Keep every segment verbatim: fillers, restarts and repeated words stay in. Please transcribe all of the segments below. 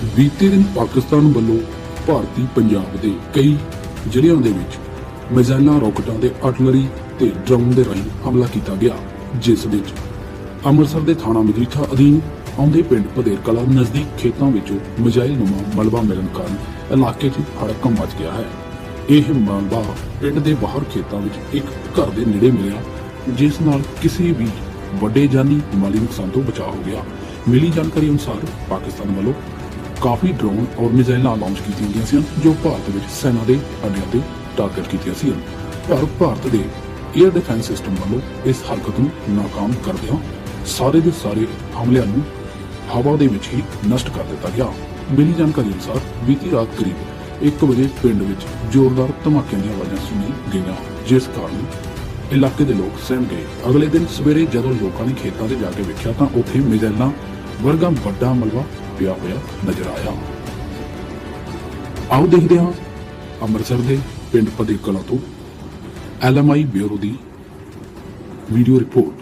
ਬੀਤੇ ਦਿਨ ਪਾਕਿਸਤਾਨ ਵੱਲੋਂ ਭਾਰਤੀ ਪੰਜਾਬ ਦੇ ਕਈ ਜ਼ਿਲ੍ਹਿਆਂ ਦੇ ਵਿੱਚ ਮਿਜ਼ਾਈਲਾਂ, ਰੌਕਟਾਂ ਦੇ ਆਰਟਲਰੀ ਤੇ ਡਰੋਨ ਦੇ ਰਾਹੀਂ ਹਮਲਾ ਕੀਤਾ ਗਿਆ, ਜਿਸ ਵਿੱਚ ਅੰਮ੍ਰਿਤਸਰ ਦੇ ਥਾਣਾ ਮਜੀਠਾ ਅਧੀਨ ਆਉਂਦੇ ਪਿੰਡ ਭਦੇਰ ਕਲਾਂ ਨਜ਼ਦੀਕ ਖੇਤਾਂ ਵਿੱਚੋਂ ਮਿਜ਼ਾਈਲ ਨੁਮਾ ਮਲਬਾ ਮਿਲਣ ਕਾਰਨ ਇਲਾਕੇ 'ਚ ਹੜਕੰਪ ਮਚ ਗਿਆ ਹੈ। ਇਹ ਮਲਬਾ ਪਿੰਡ ਦੇ ਬਾਹਰ ਖੇਤਾਂ ਵਿੱਚ ਇੱਕ ਘਰ ਦੇ ਨੇੜੇ ਮਿਲਿਆ, ਜਿਸ ਨਾਲ ਕਿਸੇ ਵੀ ਵੱਡੇ ਜਾਨੀ ਮਾਲੀ ਨੁਕਸਾਨ ਤੋਂ ਬਚਾਅ ਹੋ ਗਿਆ। ਮਿਲੀ ਜਾਣਕਾਰੀ ਅਨੁਸਾਰ ਪਾਕਿਸਤਾਨ ਵੱਲੋਂ ਕਾਫੀ ਡਰੋਨ ਔਰ ਮਿਜ਼ਾਈਲਾਂ ਲਾਂਚ ਕੀਤੀਆਂ ਗਈਆਂ ਸਨ, ਜੋ ਭਾਰਤ ਵਿੱਚ ਸੈਨਾ ਦੇ ਅੱਡਿਆਂ ਤੇ ਟਾਰਗੇਟ ਕੀਤੀਆਂ ਸੀ। ਪਰ ਭਾਰਤ ਦੇ ਏਅਰ ਡਿਫੈਂਸ ਸਿਸਟਮ ਵੱਲੋਂ ਇਸ ਹਰਕਤ ਨੂੰ ਨਾਕਾਮ ਕਰਦਿਆਂ ਸਾਰੇ ਦੇ ਸਾਰੇ ਹਮਲਿਆਂ ਨੂੰ ਹਵਾ ਦੇ ਵਿੱਚ ਹੀ ਨਸ਼ਟ ਕਰ ਦਿੱਤਾ ਗਿਆ। ਮਿਲੀ ਜਾਣਕਾਰੀ ਅਨੁਸਾਰ ਬੀਤੀ ਰਾਤ ਕਰੀਬ ਇੱਕ ਵਜੇ ਪਿੰਡ ਵਿੱਚ ਜ਼ੋਰਦਾਰ ਧਮਾਕਿਆਂ ਦੀਆਂ ਆਵਾਜ਼ਾਂ ਸੁਣੀ ਗਈਆਂ, ਜਿਸ ਕਾਰਨ ਇਲਾਕੇ ਦੇ ਲੋਕ ਸਹਿਮ ਗਏ। ਅਗਲੇ ਦਿਨ ਸਵੇਰੇ ਜਦੋਂ ਲੋਕਾਂ ਨੇ ਖੇਤਾਂ 'ਤੇ ਜਾ ਕੇ ਵੇਖਿਆ ਤਾਂ ਉੱਥੇ ਮਿਜ਼ਾਈਲਾਂ ਵਰਗਾ ਵੱਡਾ ਮਲਬਾ ਪਿਆ ਹੋਇਆ ਨਜ਼ਰ ਆਇਆ। ਆਓ ਦੇਖਦੇ ਹਾਂ ਅੰਮ੍ਰਿਤਸਰ ਦੇ ਪਿੰਡ ਭਦੇਰ ਕਲਾਂ ਤੋਂ ਐਲ ਐਮ ਆਈ ਬਿਊਰੋ ਦੀ ਵੀਡੀਓ ਰਿਪੋਰਟ।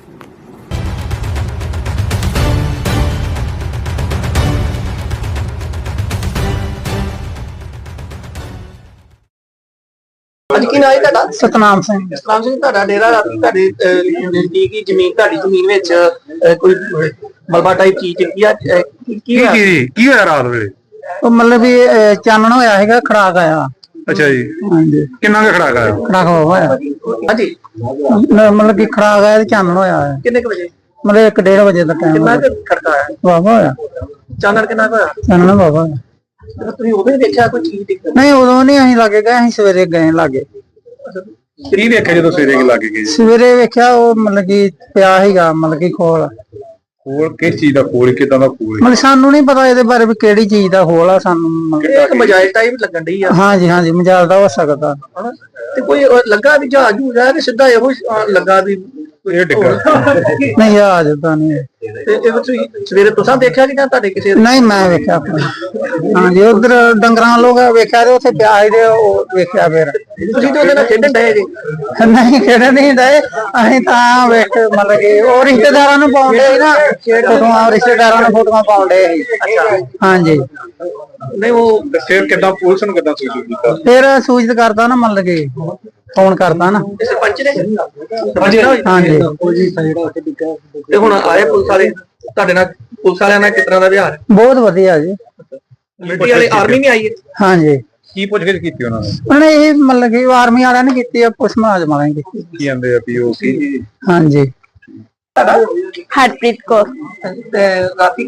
ਅੱਜ ਕੀ ਨਾਮ ਹੈ ਤੁਹਾਡਾ? ਸਤਨਾਮ ਸਿੰਘ। ਸਤਨਾਮ ਸਿੰਘ, ਤੁਹਾਡਾ ਡੇਰਾ ਰਾਤੀ ਤੁਹਾਡੇ ਨਜ਼ਦੀਕੀ ਜ਼ਮੀਨ ਤੁਹਾਡੀ ਜ਼ਮੀਨ ਵਿੱਚ ਅਹ, ਕੋਈ ਮਲਬਾ ਟਾਈਪ ਚੀਜ਼ ਕੀ ਆ ਅਹ, ਕੀ ਕੀ ਹੋਇਆ? ਕੀ ਕੀ ਹੋਇਆ ਰਾਤ ਵੇਲੇ? ਉਹ ਮਤਲਬ ਵੀ ਅਹ, ਚਾਨਣ ਹੋਇਆ ਹੈਗਾ, ਖੜਾਕ ਆਇਆ। ਅੱਛਾ ਜੀ, ਹਾਂਜੀ, ਕਿੰਨਾ ਕੁ ਖੜਾ ਕਰਾਇਆ? ਖੜਾਕ ਹੋਇਆ ਹਾਂਜੀ, ਮ- ਮਤਲਬ ਕਿ ਖੜਾਕ ਆਇਆ ਤੇ ਚਾਨਣ ਹੋਇਆ ਹੈ। ਕਿੰਨੇ ਕੁ ਵਜੇ? ਮਤਲਬ ਇੱਕ ਡੇਢ ਵਜੇ ਦਾ ਟਾਈਮ ਕਿੰਨਾ ਕੁ ਖੜਕਾ ਆਇਆ? ਵਾਵਾ ਹੋਇਆ, ਚਾਨਣ ਕਿੰਨਾ ਕੁ ਹੋਇਆ? ਚਾਨਣ ਵਾਵਾ ਹੋਇਆ। ਤੇ ਤੁਸੀਂ ਉਦੋਂ ਹੀ ਦੇਖਿਆ ਕੋਈ ਚੀਜ਼ ਦਿਖ ਨਹੀਂ, ਉਦੋਂ ਨਹੀਂ ਅਸੀਂ ਲਾਗੇ ਗਏ, ਅਸੀਂ ਸਵੇਰੇ ਗਏ ਲਾਗੇ। ਕੀ ਵੇਖਿਆ ਜਦੋਂ ਸਵੇਰੇ ਲੱਗ ਗਏ? ਸਵੇਰੇ ਵੇਖਿਆ ਉਹ ਮਤਲਬ ਕਿ ਪਿਆ ਸੀਗਾ, ਮਤਲਬ ਕਿ ਖੋਲ। ਖੋਲ ਕਿਸ ਚੀਜ਼ ਦਾ ਖੋਲ, ਕਿਦਾਂ ਦਾ ਖੋਲ? ਮਤਲਬ ਸਾਨੂੰ ਨਹੀਂ ਪਤਾ ਇਹਦੇ ਬਾਰੇ ਵੀ ਕਿਹੜੀ ਚੀਜ਼ ਦਾ ਖੋਲ ਆ, ਸਾਨੂੰ ਮਤਲਬ- ਇੱਕ ਮਜਾਇਲ ਟਾਈਪ ਲੱਗਣ ਡਈ ਆ, ਹਾਂਜੀ ਹਾਂਜੀ, ਮਜਾਲ ਦਾ ਹੋ ਸਕਦਾ। ਹਨਾ? ਤੇ ਕੋਈ ਉਹ ਲੱਗਾ ਵੀ ਜਹਾਜ਼ ਜੂਜ ਆ ਕਿ ਸਿੱਧਾ ਇਹੋ ਹੀ, ਅਹ, ਲੱਗਾ ਵੀ ਇਹ ਡਿੱਗਾ ਨਹੀਂ, ਆ ਜਾਂਦਾ ਨਹੀਂ। ਤੇ ਇਹ ਤੁਸੀਂ ਸਵੇਰੇ ਤੁਸੀਂ ਦੇਖਿਆ ਕਿ ਜਾਂ ਤੁਹਾਡੇ ਕਿਸੇ ਨਹੀਂ, ਮੈਂ ਵੇਖਿਆ ਆਪਣਾ। ਹਾਂਜੀ, ਉਧਰ ਡੰਗਰਾਂ ਲੋਕ ਵੇਖਿਆ ਤੇ ਉੱਥੇ ਪਿਆ ਸੀ ਤੇ ਉਹ ਵੇਖਿਆ ਫਿਰ। ਤੁਸੀਂ ਤੇ ਉਹਦੇ ਨਾਲ ਖੇਡਣ ਡਏ ਜੀ? ਨਹੀਂ, ਖੇਡਣ ਨਹੀਂ ਡਏ ਅਸੀਂ ਤਾਂ ਵੇਖ, ਮਤਲਬ ਕਿ ਉਹ ਰਿਸ਼ਤੇਦਾਰਾਂ ਨੂੰ ਪਾਉਂਦੇ ਸੀ ਨਾ ਫੋਟੋਆਂ, ਰਿਸ਼ਤੇਦਾਰਾਂ ਨੂੰ ਫੋਟੋਆਂ ਪਾਉਂਦੇ ਸੀ। ਹਾਂਜੀ, ਨਹੀਂ ਉਹ ਫਿਰ ਕਿਦਾਂ ਪੁਲਿਸ ਨੂੰ ਕਿਦਾਂ ਸੂਚਿਤ ਕੀਤਾ? ਫਿਰ ਸੂਚਿਤ ਕਰਦਾ ਨਾ, ਮਤਲਬ ਕਿ ਫੋਨ ਕਰਦਾ ਨਾ। ਸਰਪੰਚ ਨੇ? ਹਾਂਜੀ, ਤੇ ਹੁਣ ਆਏ ਪੁਲਿਸ ਵਾਲੇ ਤੁਹਾਡੇ ਨਾਲ, ਪੁਲਿਸ ਵਾਲਿਆਂ ਨਾਲ ਕਿਸ ਤਰ੍ਹਾਂ ਦਾ ਵਿਹਾਰ? ਬਹੁਤ ਵਧੀਆ ਜੀ। ਮਿਲਟਰੀ ਵਾਲੇ, ਆਰਮੀ ਵੀ ਆਈ ਹੈ? ਹਾਂਜੀ, ਕੀ ਪੁੱਛਗਿੱਛ ਕੀਤੀ ਉਹਨਾਂ ਨੇ? ਉਹਨੇ ਇਹ ਮਤਲਬ ਕਿ ਆਰਮੀ ਵਾਲਿਆਂ ਨੇ ਕੀਤੀ ਆ, ਪੁਲਿਸ ਮੁਲਾਜ਼ਮਾਂ ਵਾਲਿਆਂ ਨੇ ਕੀਤੀ। ਕੀ ਕਹਿੰਦੇ ਆ ਵੀ ਉਹ ਕੀ? ਹਾਂਜੀ। ਤੁਹਾਡਾ ਹਰਪ੍ਰੀਤ ਕੌਰ। ਤੇ ਰਾਤੀ